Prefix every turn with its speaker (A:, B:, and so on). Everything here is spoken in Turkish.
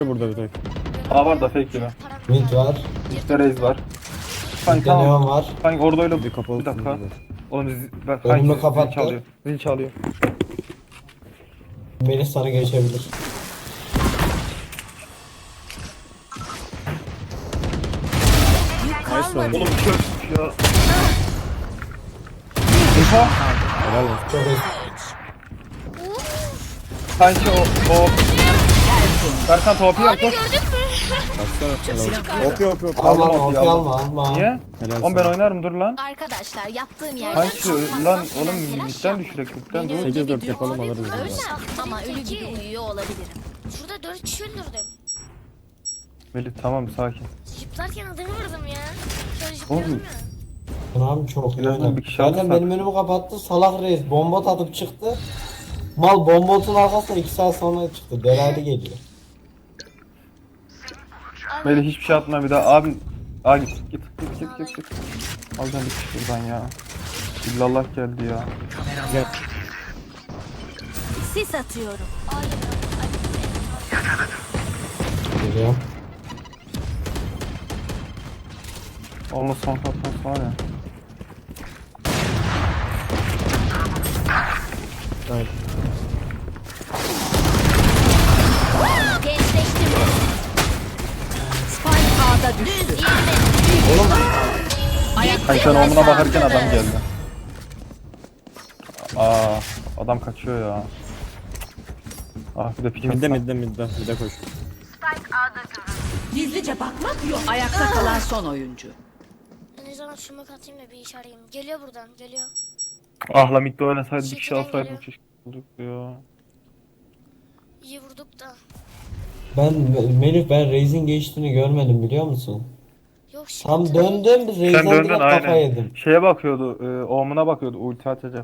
A: Burada bir tek.
B: A var da fake gibi.
C: Mid var.
B: İşte Raze var. Kanka
C: Bir de Neon
B: tamam.
C: var.
B: Kanka orada öyle
A: Bir kapalı.
B: bir dakika. Oğlum bak
C: Önümü
B: kanka zil
C: kapattı.
B: çalıyor. Zil çalıyor.
C: Melih sana geçebilir.
A: Nice oyun.
B: Oğlum çöp ya. Info.
A: Helal olsun.
C: Çok iyi.
B: Kanki o. Berkan topu yap koş.
A: Baksana. Helal olsun. Hop hop hop.
C: Alma
B: Aldım,
C: alma
B: aldım.
C: alma.
B: Niye?
A: Helal
B: Oğlum ben
A: sana.
B: oynarım dur lan.
D: Arkadaşlar yaptığım yerden
B: Kanki lan oğlum midden düşürek midden dur.
A: 8-4 yapalım alırız.
D: Öyle
A: biz.
D: ama ölü gibi uyuyor olabilirim.
E: Şurada 4 kişi öldürdüm.
B: Melih tamam sakin.
E: Zıplarken adamı vurdum ya. Şöyle
B: Oğlum.
E: zıplıyorum ya.
C: Abi çok iyi
B: Birazdan
C: oynadı.
B: bir kişi
C: Zaten
B: alırsak.
C: benim önümü kapattı. Salak reis bomba atıp çıktı. Mal bombotun arkasına 2 saat sonra çıktı. Delaylı geliyor.
B: Melih hiçbir şey atma bir daha. Abi. Aa git. Alacağım bir kişi buradan ya. İllallah geldi ya.
D: Sis atıyorum.
C: Geliyor.
B: Onun son katması var ya.
A: Evet.
D: Gençleştim. Spike A'da düştü.
B: Kanka sen omuna bakarken adam geldi. Aa adam kaçıyor ya. Ah bir de pikim.
A: Midde koş.
F: Gizlice bakmak yok. Ayakta kalan son oyuncu.
E: Ben ne zaman şunu atayım da bir iş arayayım. Geliyor buradan geliyor.
B: Ah la midde oynasaydı bir kişi
E: Şekilden
B: alsaydım
E: geliyor.
B: keşke bulduk ya.
E: İyi vurduk da.
C: Melih ben Reis'in geçtiğini görmedim biliyor musun?
E: Yok
C: Tam
E: sıkıntı değil.
C: döndüm
B: Sen
C: Reis'den
B: döndün
C: direkt kafa
B: aynen.
C: yedim.
B: Şeye bakıyordu, omuna bakıyordu ulti atacak.